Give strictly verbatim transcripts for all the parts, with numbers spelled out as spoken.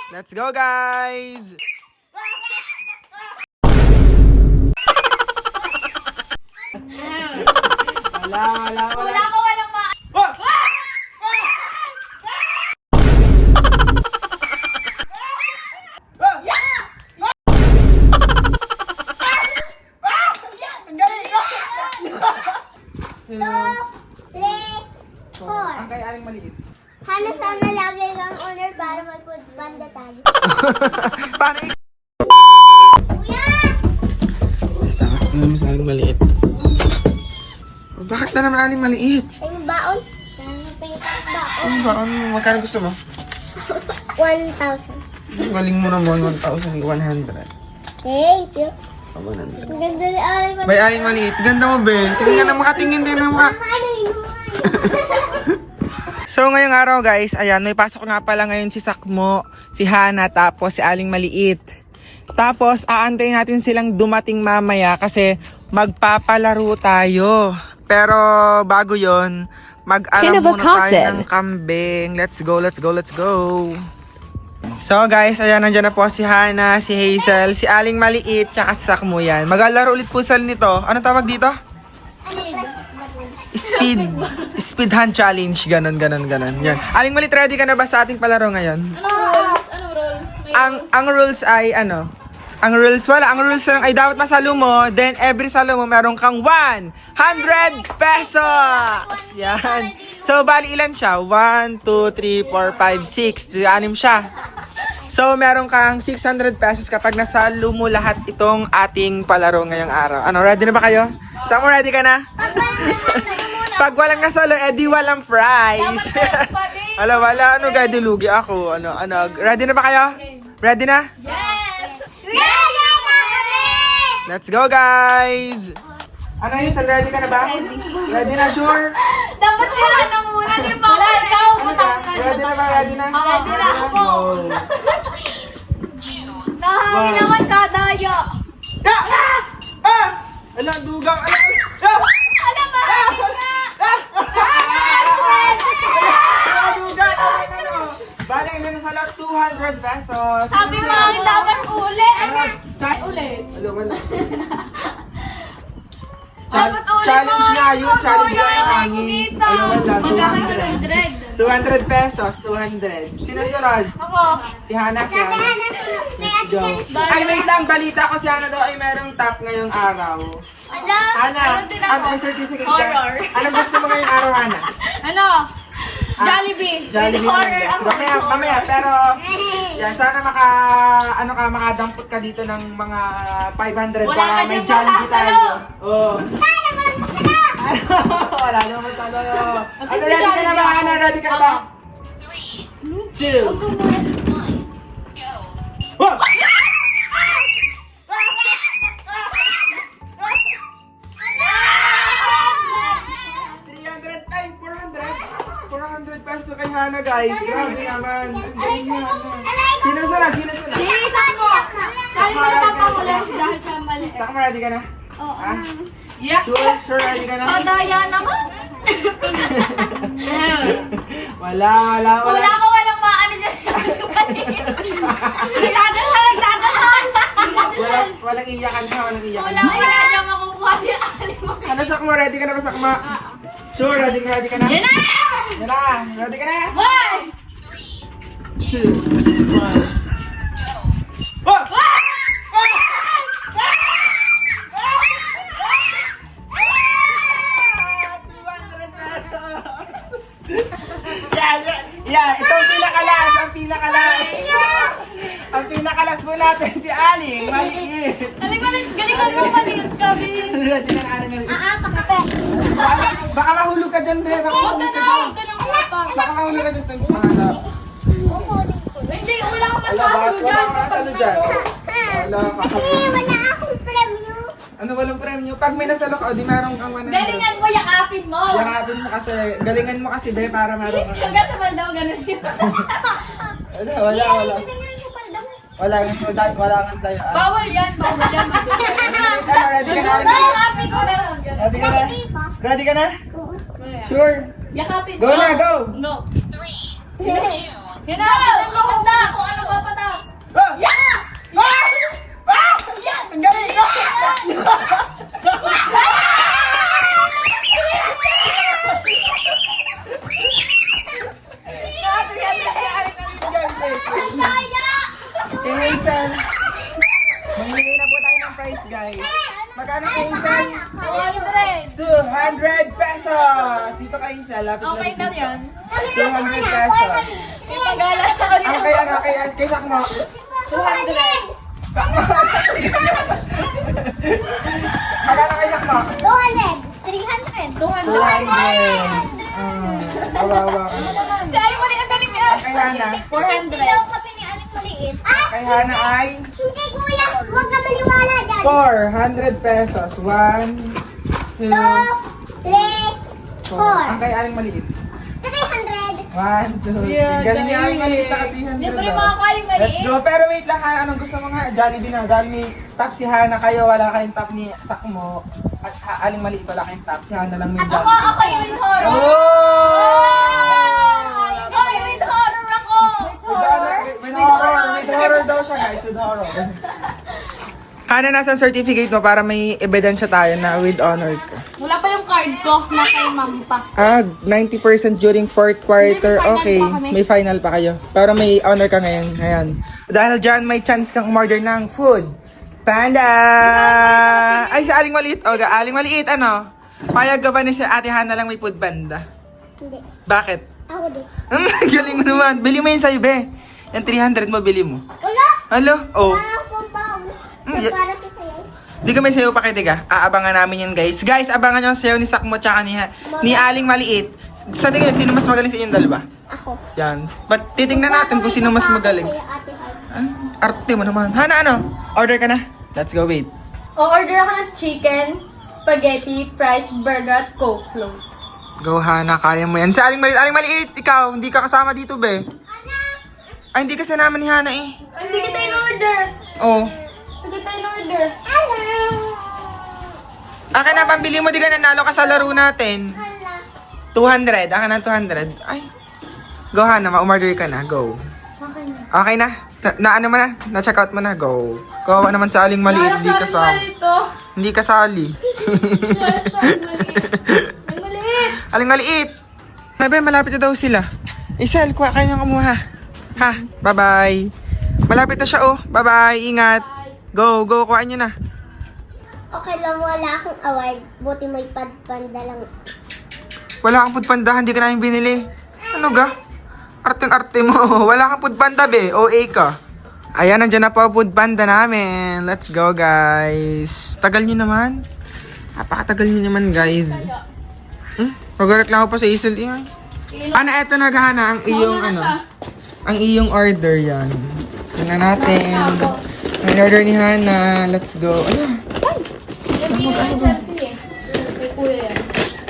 Let's go, guys! Wala, wala, wala. Wala ko walang ma... Oh! Four. Ang kay aling maliit. Hana sana lagi kang honor para mag-banda tayo. Paano i- Kuya! Basta, naman sa aling maliit. Bakit na naman aling maliit? Ay, yung baon. Ano pa yung baon? Ano ba? Ano, magkano gusto mo? one thousand. Ang galing mo naman, one thousand one hundred. Thank you. Oh, one hundred. Ang ganda ni Aling Maliit. Bay, aling maliit. Ganda mo, be. Tingnan na, makatingin din na mukha. Ano yun? So ngayong araw guys, ayan, may pasok nga pala ngayon si Sakmo, si Hana, tapos si Aling Maliit. Tapos aantayin natin silang dumating mamaya kasi magpapalaro tayo. Pero bago yon, mag-alam muna tayo ng kambing. Let's go, let's go, let's go. So guys, ayan, nandiyan na po si Hana, si Hazel, si Aling Maliit, tsaka si Sakmo yan. Maglalaro ulit po sila nito. Anong tawag dito? Speed Speed hand challenge. Ganon, ganon, ganon. Yan. Aling Maliit, ready ka na ba sa ating palaro ngayon? Anong rules? Anong rules? May... Ang ang rules ay ano? Ang rules wala. Ang rules lang ay dapat masalo mo. Then every salo mo meron kang one hundred pesos. Yan. So bali ilan siya? one, two, three, four, five, six. Anim siya. So meron kang six hundred pesos kapag nasalo mo lahat itong ating palaro ngayong araw. Ano, ready na ba kayo? Saan mo ready ka na? Pag walang nasalo, edi walang prize. Wala, wala. Ano, guys, dilugi ako. Ano, ano. Ready na ba kayo? Ready na? Yes! Ready na kami! Let's go, guys! Ano yun? Ready ka na ba? Ready na, sure? Dapat kailangan na muna, di ba? Wala, ikaw. Ano ka? Ready na ba? Ready na? Ready na ako. Go. Nahangin naman kadaya. Ah! Ah! Ala, dugang. Ala, ala. Ah! Ano ba? Ala, dugang. Ay, ano? Bale, ilan na sa lahat? two hundred pesos. Sabi mo, ang dapat uli. Ano? Cha- Uli. Alo, wala. Dapat uli Challenge mo. nga yun. Challenge nga yung Uli hangin. dito. Ayun, wala. two Magkano hundred. one hundred? two hundred pesos. two hundred. Sino sunod? Ako. Si Hana. Si Hana. Let's go. Ay, wait lang. Balita ko si Hana daw ay merong top ngayong araw. Wala. Hana, Meron din ako. ano yung certificate ka? Horror. Anong gusto mo ngayong araw, Hana? Ano? Ah, Jollibee. Jollibee With naman, horror guys. ako. Mamaya, mamaya. Pero, yan, sana maka, ano ka, makadampot ka dito ng mga five hundred Wala para ka may dyan Jollibee tayo. masasalo. Oo. Sana walang masala! Wala naman talo. Ano, Kasi ready ka na ba, Jollibee Hana? ako. Ready ka na ba? Two. Whoa! three hundred, ay, four hundred. four hundred pesos kay Hana, guys. Grabe naman. Ang galing ni Hana. Sino sunod? Sino sunod? Bilisan mo. Sabi mo tapang ko lang dahil sa mali. Saka mo, ready ka na? Oo. Ha? Yeah. Sure, sure, ready ka na? Kadaya naman. Wala, wala, wala. Wala ko walang maano dyan. Nagdadasal, nagdadasal. Wala, walang iyakan ha, walang iyakan. Wala, wala dyan makukuha si Ali mo. Ano, Sakmo, ready ka na ba, Sakma? Sure, ready ka, ready ka na? Yan na! Yan na, ready ka na? One! Two, one. Oh! two hundred pesos! Yeah, yeah, yeah, itong pinakalas, ang pinakalas. Ang pinakalas po natin si Aling Maliit. Galing, galing, galing ka mo maliit kami. Ready ka na, Aling Maliit? Ah, pakape. Baka, baka mahulog ka dyan, be. Baka Huwag mahulog ka ka na, dyan. huwag ka na kumapang. Baka mahulog ka dyan. Thanks, mahala. Hindi, wala akong Wala, masalo bakit wala dyan. kang kasalo dyan? Wala ka. Eh, wala akong premyo. Ano, walang premyo? Pag may nasalo ka, o di meron kang one hundred. Galingan mo, yakapin mo. Yakapin mo kasi, galingan mo kasi, be, para meron kang... Hanggang sa maldaw, ganun yun. Wala, wala, wala. Wala, wala, wala kang tayo. Ah. Bawal yan, bawal yan. Ano, ready ka na? Aling Maliit? Yakapin ko, ganun, ganun. Ready ka na? Ready ka na? Oo. Sure. Yakapin Go na, go! No. Yan na, tignan mo kung na, kung ano papatalo. Kay Hazel. Mamimigay na po tayo ng prize, guys. Magkano kay Hazel? two hundred pesos! Dito kay Hazel, lapit na Okay dito. na yun. two hundred pesos. Pagala ako Ang kay ano, kay, kay Sakmo. two hundred. Sakmo. Magkano kay Sakmo? two hundred. three hundred. two two hundred. hundred. Ah, awa-awa ka. Si Ay, mali ang galing niya. Kay Hana. four hundred. Ilaw kami ni Anik maliit. Ah! Kay Hana ay Hindi kuya, huwag ka maniwala dyan. four hundred pesos. one, two, Two, three, four. four. Ang kay Aling maliit. three hundred. one, two, three. Yeah, Galing niya Aling galing. maliit. Naka three hundred. Libre daw. mga kaling maliit. Let's go. Pero wait lang ha. Anong gusto mo nga? Jollibee na. Dahil may top si Hana kayo. Wala kayong top ni Sakmo. At ha, Aling maliit wala kayong top. Si Hana lang may Ako, Jollibee. ako yung with horror. Oh! Ay, with horror ako. With horror. With horror. With horror daw siya guys. With horror. Hana, nasa certificate mo para may ebidensya tayo na with honor ka. Wala pa yung card ko na kay ma'am pa. Ah, ninety percent during fourth quarter. May final Okay, pa kami. may final pa kayo. Pero may honor ka ngayon. Ayan. Dahil dyan, may chance kang umorder ng food. Panda! Ay, sa Aling Maliit. O, Aling Maliit, ano? Payag ka ba ni si Ate Hana lang may food banda? Hindi. Bakit? Ako din. Hmm, galing mo naman. Bili mo yun sa'yo, be. Yung three hundred mo, bili mo. Wala. Halo? Oh. Wala akong baon. Mm, y- Para sa sayo. Di ka may sayo pa kitiga. Aabangan namin yan, guys. Guys, abangan nyo ang sayo ni Sakmo tsaka ni, ni Aling Maliit. Sa tingin, sino mas magaling sa inyong dalawa? Ako. Yan. But titingnan natin kung sino mas magaling. Sa'yo, Ate Hana. Ay, arte mo naman. Hana, ano? Order ka na. Let's go, wait. O-order ako ng chicken, spaghetti, fries, burger, at coke float. Go, Hana. Kaya mo yan. Sa Aling Maliit, Aling Maliit, ikaw, hindi ka kasama dito, be. Ay, hindi ka sinama ni Hana, eh. Ay, hindi kita in-order. Oh. Hindi kita in-order. Akin na, pambili mo, di ka nanalo ka sa laro natin. Hala. two hundred. Akin na, two hundred. Ay. Go, Hana. Ma-umorder ka na. Go. Okay na. Okay na? Na, na ano mo na? Na-check out mo na? Go. Kawawa naman sa Aling Maliit. Hindi ka sa... Ito. Hindi ka sali. Ang maliit. Aling Maliit. Nabe, malapit na daw sila. Isel, kuha kayo ng kumuha. Ha? Bye-bye. Malapit na siya, oh. Bye-bye. Ingat. Go, go. Kuha nyo na. Okay lang, wala akong award. Buti may padpanda lang. Wala kang foodpanda. Hindi ka namin binili. Ano ga? Arteng-arte mo. Wala kang foodpanda, be. O A ka. Ayan, nandiyan na po ang foodpanda namin. Let's go, guys. Tagal nyo naman. Napakatagal nyo naman, guys. Hmm? Pag-reklamo pa sa Isel. Iyan. Ana, eto na, Hana. Ang iyong, ano, ang iyong order yan. Tingnan natin. Ang order ni Hana. Let's go. Ayan. Yan yung Chelsea eh. Kay kuya yan.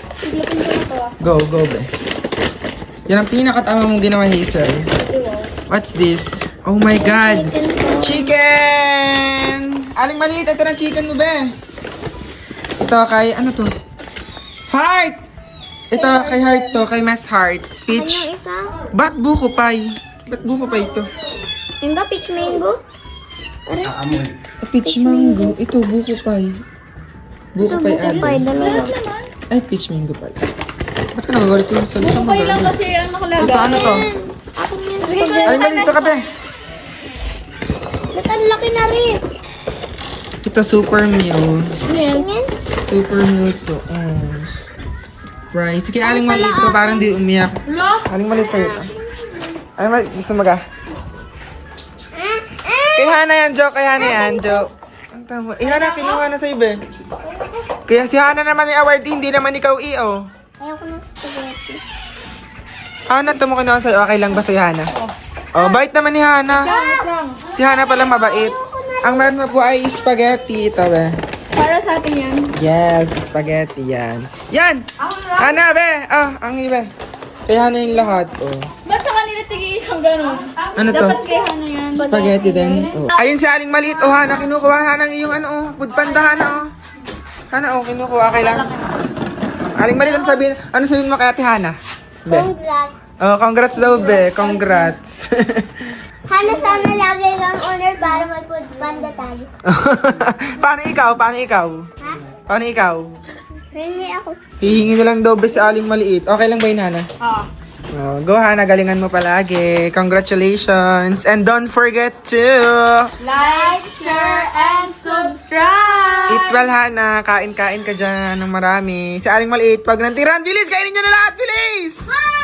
Go, go, be. Yan ang pinakatama mong ginawa, Hazel. What's this? Oh my God! Chicken! Aling Maliit, ito ng chicken mo, be. Ito kay, ano to? Heart! Ito kay Heart to, kay Miss Heart. Peach. isa? Ba't buko pie? Ba't buko pie ito? Yung ba peach mango? Ah, peach mango. Ito, buko pie. Buko pie ate. dalawa. Ay, peach mango pala. Ba't ka nagagalit yung salita mo? Okay lang girl? kasi ang nakalagay. Ito, ano to? Sige ko Aling Maliit, ito ka, be. Ba't ang laki na rin? Ito, super meal. Tingin? Super meal to. Oh. Price. Sige, Aling Maliit to. Parang di umiyak. Wala. Aling Maliit sa'yo to. Aling Maliit, gusto mo ka? Ah, Kay Hana yan, Jo. Kay Hana yan, Jo. Ang tama. Eh, Hana, kinuha na sa'yo, be. Kaya si Hana naman yung award, hindi naman ikaw i, oh. Ayoko ng spaghetti. Hana, ito mo kinuha sa'yo. Okay lang ba sa'yo, Hana? Oh, bait naman ni Hana. Wait lang. Si Hana pala mabait. Ang meron mo po ay spaghetti. Ito, be. Para sa atin yan. Yes, spaghetti yan. Yan! Ako na. Hana, be! Ah, ang iba. Kaya Hana yung lahat, oh. Ba't sa kanila tigil isang ganun? Ano to? Dapat kay Hana yan. Spaghetti din. Oh. Ayun si Aling Maliit. Oh, Hana, kinukuha Hana ng iyong ano, oh. Foodpanda, Hana, oh. Hana, oh, kinukuha. Okay lang. Aling Maliit, ano sabihin, ano sabihin mo kay Ate Hana? Be. Congrats. Oh, congrats daw, be. Congrats. Hana, sana lagi kang honor para may food panda tayo. Paano ikaw? Paano ikaw? Ha? Paano ikaw? Ringi ako. Hihingi na lang daw, be, si Aling Maliit. Okay lang ba yun, Hana? Ah. Oh, go Hana, galingan mo palagi. Congratulations. And don't forget to Like, share, and subscribe! eat well, Hana. Kain-kain ka dyan ng marami. Si Aling Maliit, pag nantiran, bilis, kainin niyo na lahat, bilis! Bye!